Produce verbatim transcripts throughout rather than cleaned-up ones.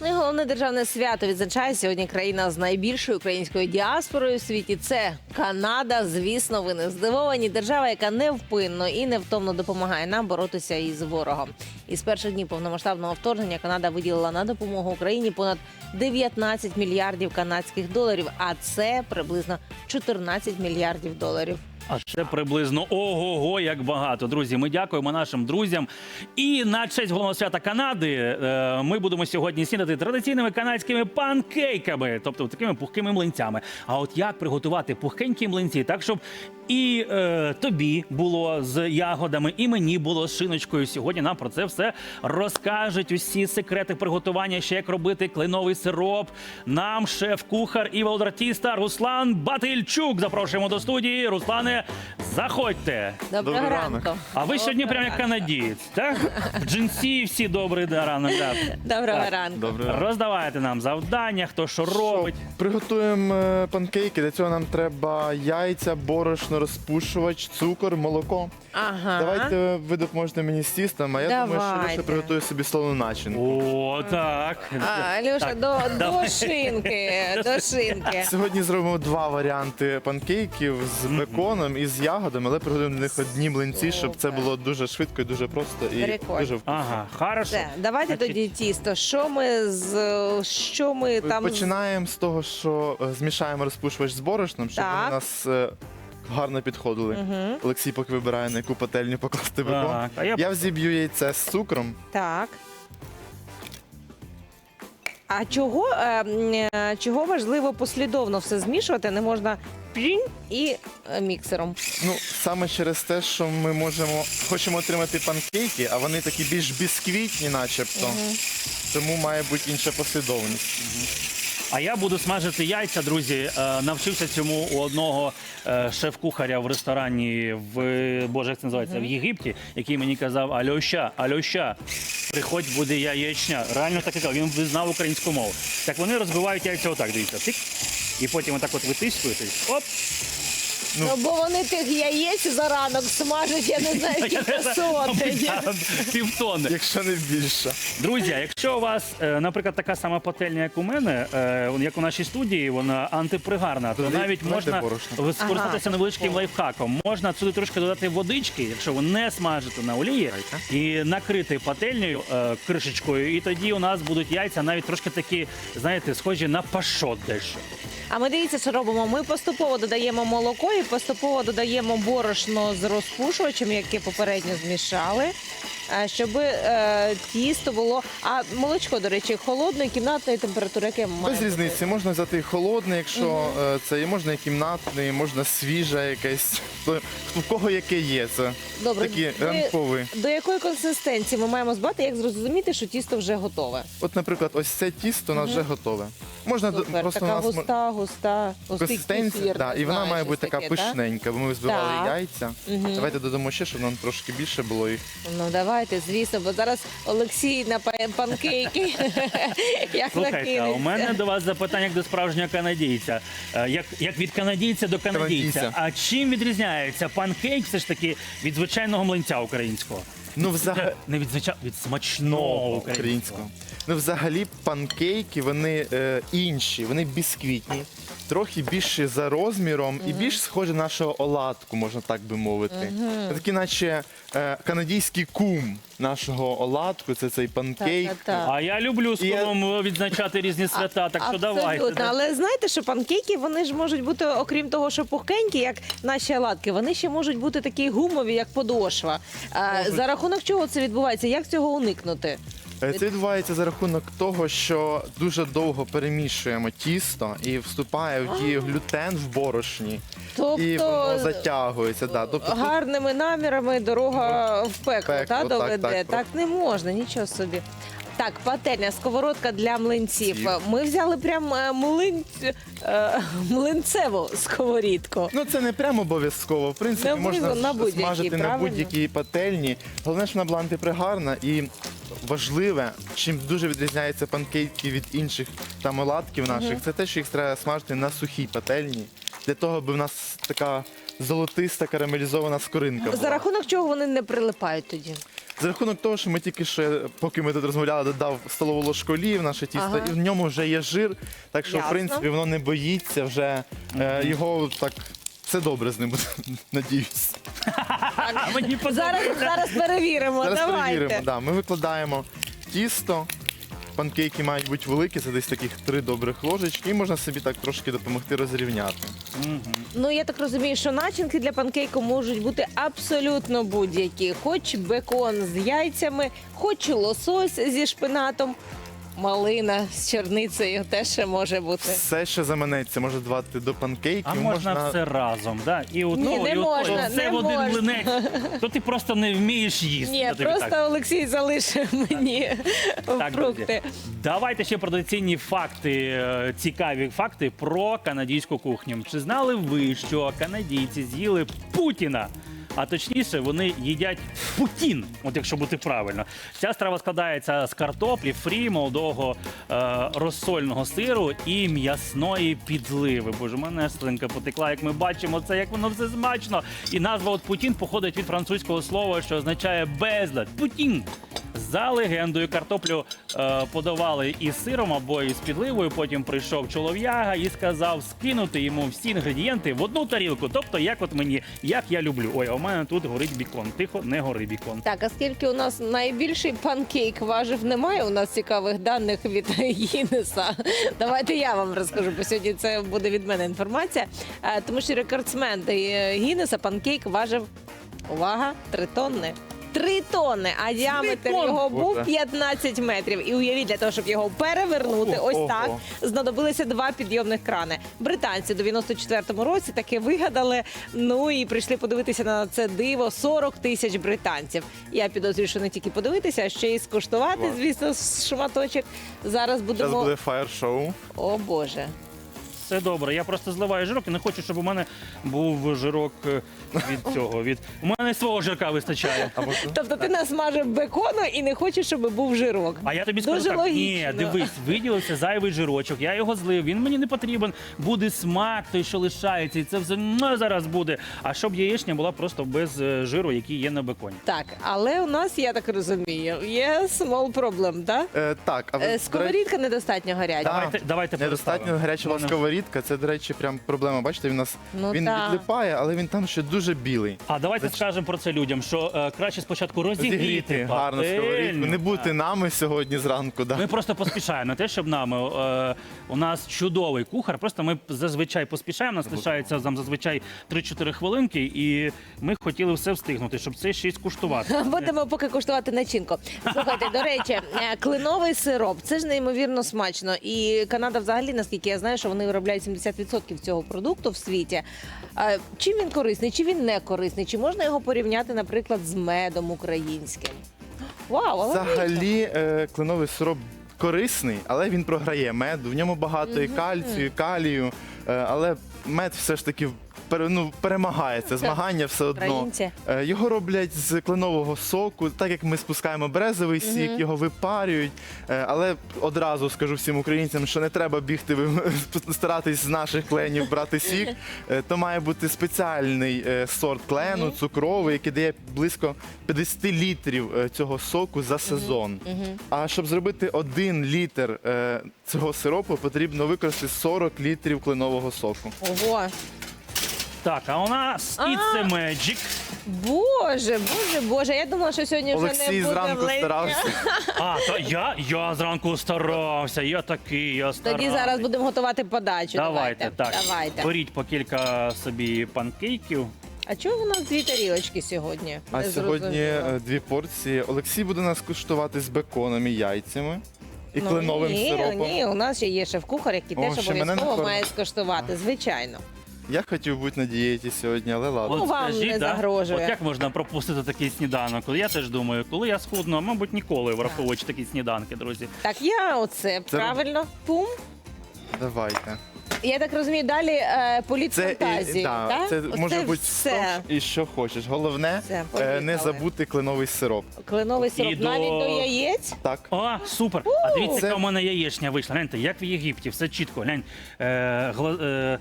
Ну і головне державне свято відзначає сьогодні країна з найбільшою українською діаспорою у світі. Це Канада. Звісно, ви не здивовані. Держава, яка невпинно і невтомно допомагає нам боротися із ворогом. Із перших днів повномасштабного вторгнення Канада виділила на допомогу Україні понад дев'ятнадцять мільярдів канадських доларів, а це приблизно чотирнадцять мільярдів доларів. А це приблизно ого-го, як багато. Друзі, ми дякуємо нашим друзям. І на честь головного свята Канади е, ми будемо сьогодні снідати традиційними канадськими панкейками, тобто такими пухкими млинцями. А от як приготувати пухкенькі млинці так, щоб і е, тобі було з ягодами, і мені було з шиночкою. Сьогодні нам про це все розкажуть усі секрети приготування, ще як робити кленовий сироп. Нам шеф-кухар і володартіста Руслан Батильчук. Запрошуємо до студії. Руслане, заходьте. Доброго Добрий ранку. ранок. А ви сьогодні прямо як канадієць, так? В джинсі всі добрий ранок. Да. Доброго Так. ранку. Добрий ранок. Роздавайте нам завдання, хто що робить. Приготуємо е, панкейки. Для цього нам треба яйця, борошно, розпушувач, цукор, молоко. Ага. Давайте ви допоможете мені з тістом, а я думаю, що Давайте. Леша приготує собі солону начинку. О, так. А, Льоша, Так, до, до давай. шинки, до шинки. Сьогодні зробимо два варіанти панкейків з беконом і з ягодами, але приготуємо для них одні млинці, щоб це Супер. було дуже швидко і дуже просто і Прикольно. дуже вкусно. Ага, хорошо. Все, давайте Значить, тоді тісто. Що ми з що ми там з- Починаємо з того, що е, змішаємо розпушувач з борошном, щоб Так. вони у нас е, гарно підходили. Мгм. Олексій поки вибирає, на яку пательню покласти бекон. Так, а я- Я взіб'ю яйце з цукром. Так. А чого, е, м, е, чого важливо послідовно все змішувати? Не можна пінь і е, міксером. Ну, саме через те, що ми можемо, хочемо отримати панкейки, а вони такі більш бісквітні начебто. Тому має бути інша послідовність. А я буду смажити яйця, друзі. Е, Навчився цьому у одного е, шеф-кухаря в ресторані в Боже, як це називається, в Єгипті, який мені казав: Альоща, Альоща, приходь, буде яєчня. Реально так і казав, він знав українську мову. Так вони розбивають яйця отак, дивіться, тик. І потім отак от витискуєте. Оп! Ну. Ну, бо вони тих яєць за ранок смажать, я не знаю, скільки сотень. Півтонни. Якщо не більше. Друзі, якщо у вас, е, наприклад, така сама пательня, як у мене, е, як у нашій студії, вона антипригарна, то Туди навіть кладете можна борошно. скористатися Ага. невеличким лайфхаком. Можна сюди трошки додати водички, якщо ви не смажите на олії, і накрити пательнею е, кришечкою, і тоді у нас будуть яйця навіть трошки такі, знаєте, схожі на пашот дещо. А ми дивіться, що робимо. Ми поступово додаємо молоко і поступово додаємо борошно з розпушувачем, яке попередньо змішали, е, щоб е, тісто було. А молочко, до речі, холодної кімнатної температури, яке має Без бути? різниці, можна взяти і холодне, якщо е, це і можна і кімнатне, і можна свіже якесь. Хто- В кого яке є, це Добре, такі ви- ранкові. До якої консистенції ми маємо збати, як зрозуміти, що тісто вже готове? От, наприклад, ось це тісто у нас вже готове. Можна до- Супер, просто у така нас мо- густа, густа, густий консистенція, кефір, да, і вона знаю, має щось бути така таке, так? пишненька, бо ми збивали Так. яйця. Мгм. Давайте додамо ще, щоб нам трошки більше було їх. Ну давайте, звісно, бо зараз Олексій на па- панкейки. Як Слухайте, а у мене накинеться. до вас запитання як до справжнього канадійця. Е, Як, як від канадійця до канадійця. Канадійця. А чим відрізняється панкейк все ж таки від звичайного млинця українського? Ну, взагалі. Не від звичайного, від смачного українського. Українського. Ну, взагалі, панкейки, вони е, інші, вони бісквітні, трохи більші за розміром і більш схожі на нашого оладку, можна так би мовити. Це такі, наче е, канадійський кум нашого оладку, це цей панкейк. Так-так-так. А я люблю з І я- колом відзначати різні свята, так що Абсолютно. давайте. да. Але знаєте, що панкейки, вони ж можуть бути, окрім того, що пухенькі, як наші оладки, вони ще можуть бути такі гумові, як подошва. А, за рахунок чого це відбувається? Як цього уникнути? Е, Це відбувається за рахунок того, що дуже довго перемішуємо тісто і вступає в дію глютен в борошні. Тобто І воно затягується. Да. Тобто, тут гарними намірами дорога в пекло, пекло, та, так, доведе. Так, так, не можна, нічого собі. Так, пательня, сковородка для млинців. Млинців. Ми взяли прям е, млин... е, млинцеву сковорідку. Ну, це не прямо обов'язково. В принципі, На можна будь- на будь-якій, смажити на правильно? будь-якій пательні. Головне, щоб вона була антипригарна і важливе, чим дуже відрізняються панкейки від інших там оладків наших, це те, що їх треба смажити на сухій пательні. Для того, аби в нас така золотиста карамелізована скоринка була. За рахунок чого вони не прилипають тоді? За рахунок того, що ми тільки що, поки ми тут розмовляли, додав столову ложку олії в наше тісто, Ага. і в ньому вже є жир, так що, Ясно. в принципі, воно не боїться вже е, його так. Все добре з ним буде, надіюсь. А мені Зараз, зараз перевіримо. Зараз Давайте. перевіримо. Да, ми викладаємо тісто. Панкейки мають бути великі, це десь таких три добрих ложечки, і можна собі так трошки допомогти розрівняти. Ну, я так розумію, що начинки для панкейку можуть бути абсолютно будь-які. Хоч бекон з яйцями, хоч лосось зі шпинатом, малина з черницею теж ще може бути. Все, що заманеться, може давати до панкейків. А можна все разом, да? І одно, Ні, не і ото, можна, все не в один можна. млинець. То ти просто не вмієш їсти. Ні, я тобі просто так. Олексій залишив мені Так, фрукти. друзі, давайте ще про традиційні факти, е, цікаві факти про канадську кухню. Чи знали ви, що канадійці з'їли Путіна? А точніше, вони їдять путін, от якщо бути правильно. Ця страва складається з картоплі, фрі, молодого е, розсольного сиру і м'ясної підливи. Боже, в мене слинка потекла, як ми бачимо, це як воно все смачно. І назва от путін походить від французького слова, що означає безлад. Путін. За легендою, картоплю е, подавали із сиром або із підливою. Потім прийшов чолов'яга і сказав скинути йому всі інгредієнти в одну тарілку. Тобто, як от мені, як я люблю. Ой, а у мене тут горить бікон. Тихо, не гори бікон. Так, а скільки у нас найбільший панкейк важив, немає у нас цікавих даних від Гіннеса. Давайте я вам розкажу, бо сьогодні це буде від мене інформація. Е, Тому що рекордсмен е, Гіннеса панкейк важив, увага, три тонни. Три тонни, а діаметр тонни? його був Ого. п'ятнадцять метрів. І уявіть, для того, щоб його перевернути, Ого. ось так, знадобилися два підйомних крани. Британці в дев'яносто четвертому році таке вигадали. Ну і прийшли подивитися на це диво сорок тисяч британців. Я підозрюю, що не тільки подивитися, а ще й скуштувати, Клас. звісно, шматочок. Зараз будемо. Зараз буде фаєр-шоу. О Боже. Все добре. Я просто зливаю жирок і не хочу, щоб у мене був жирок е, від цього. Від... У мене свого жирка вистачає. Або Тобто ти насмажив бекону і не хочеш, щоб був жирок. А я тобі скажу Дуже так, логічно. ні, дивись, виділився зайвий жирочок, я його злив, він мені не потрібен, буде смак той, що лишається, і це все ну, зараз буде. А щоб яєчня була просто без е, жиру, який є на беконі. Так, але у нас, я так розумію, є small problem, так? Е, так, а ви, Е, до речі, Сковорідка недостатньо гаряча. Да. Давайте, давайте недостатньо переставимо. гаряча Мене- сковорідка. Це, до речі, прям проблема. Бачите, він у нас Ну, він так. відлипає, але він там ще дуже білий. А давайте скажемо про це людям, що е, краще спочатку розігріти Зігріти гарно пательню. сковорідку. Не бути нами сьогодні зранку. Да. Ми просто поспішаємо. Не те, щоб нами. Е, у нас чудовий кухар. Просто ми зазвичай поспішаємо. У нас лишається там зазвичай три-чотири хвилинки, і ми хотіли все встигнути, щоб це ще й скуштувати. Будемо поки куштувати начинку. Слухайте, до речі, е, кленовий сироп це ж неймовірно смачно. І Канада, взагалі, наскільки я знаю, що вони виробляють сімдесят відсотків цього продукту в світі. Е, Чим він корисний, чи він не корисний? Чи можна його порівняти, наприклад, з медом українським? Вау, але Взагалі, е, кленовий сироп корисний, але він програє меду. В ньому багато і кальцію, і калію, е, але мед все ж таки пере- ну, перемагає це змагання все одно. Українці. Е, Його роблять з кленового соку, так як ми спускаємо березовий сік, його випарюють. Е, Але одразу скажу всім українцям, що не треба бігти ви- старатись з наших кленів брати сік. Е, То має бути спеціальний е, сорт клену, цукровий, який дає близько п'ятдесят літрів е, цього соку за сезон. А щоб зробити один літр е, цього сиропу, потрібно використати сорок літрів кленового соку. ого. Так, а у нас А. It's a Magic. Боже, боже, боже. Я думала, що сьогодні вже не Олексій буде зранку млинця. старався. А, то я, я зранку старався, я такий, я старався. Тоді зараз будемо готувати подачу. Давайте, так. Давайте. Беріть по кілька собі панкейків. А чого у нас дві тарілочки сьогодні? А Не сьогодні зрозуміло. е, дві порції. Олексій буде нас куштувати з беконом і яйцями. І Ну, кленовим ні, сиропом. Ні, у нас ще є шеф-кухар, який О, теж ще мене не обов'язково кормить. має скуштувати, звичайно. Я хотів бути на дієті сьогодні, але ладно. Ну, вам не да, загрожує. От як можна пропустити такий сніданок? Я теж думаю, коли я схудну, а мабуть ніколи враховуючи такі сніданки, друзі. Так, я оце Це- правильно. Пум. Давайте. Я так розумію, далі е, політ Це, фантазії. і, да, так? це Оце може бути все. і що хочеш. Головне Все, е, поїхали. не забути кленовий сироп. Кленовий І сироп до- навіть до яєць. Так. О, супер! А дивіться, Це- яка у мене яєчня вийшла. Гляньте, як в Єгипті, все чітко. Глянь, е, гла- е,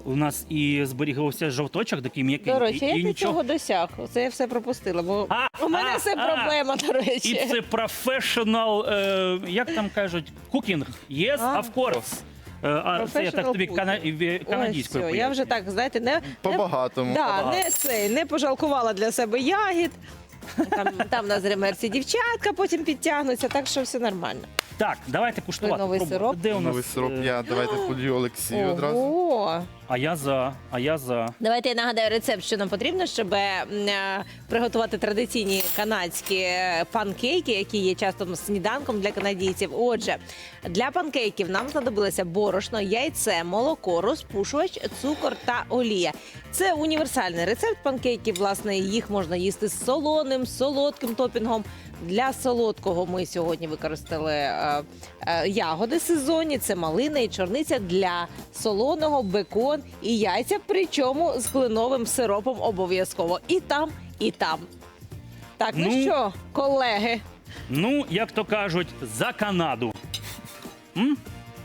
у нас і зберігався жовточок, такий м'який. До речі, і, як і ти цього досяг? Це я все пропустила, бо А, у мене а, все а. проблема, до речі. І це професіонал, е, як там кажуть, кукінг. Yes, А. of course. Е, А це я так Professional тобі cooking. кана... в- Ой, канадською все, я вже так, знаєте, не, не, По-багатому. да, По-багатому. не, цей, не пожалкувала для себе ягід. Там, там на зремерці дівчатка потім підтягнуться, так що все нормально. Так, давайте куштувати. Новий пробувати. сироп? Де у нас? Новий сироп, е, я давайте полью Олексію одразу. Ого! А я за, а я за. Давайте я нагадаю рецепт, що нам потрібно, щоб е, е, приготувати традиційні канадські е, панкейки, які є часто сніданком для канадійців. Отже, для панкейків нам знадобилося борошно, яйце, молоко, розпушувач, цукор та олія. Це універсальний рецепт панкейків. Власне, їх можна їсти з солоним, солодким топінгом. Для солодкого ми сьогодні використали е, е, ягоди сезонні, це малина і чорниця. Для солоного бекон і яйця, причому з кленовим сиропом обов'язково. І там, і там. Так, ну, Ну. що, колеги? Ну, як то кажуть, за Канаду. М?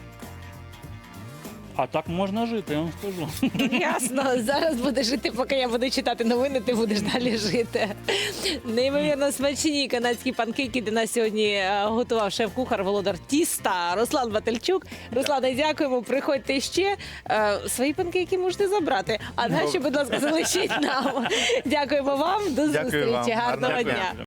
А так можна жити, я вам скажу. Ясно, зараз будеш жити, поки я буду читати новини, ти будеш далі жити. Неймовірно смачні канадські панкейки для нас сьогодні е, готував шеф-кухар Володар Тіста Руслан Батальчук. Руслане, дякуємо, приходьте ще. Е, Свої панкейки можете забрати, а наші, будь ласка, залишіть нам. Дякуємо вам, до Дякую зустрічі, вам. гарного Гарного дня. дня.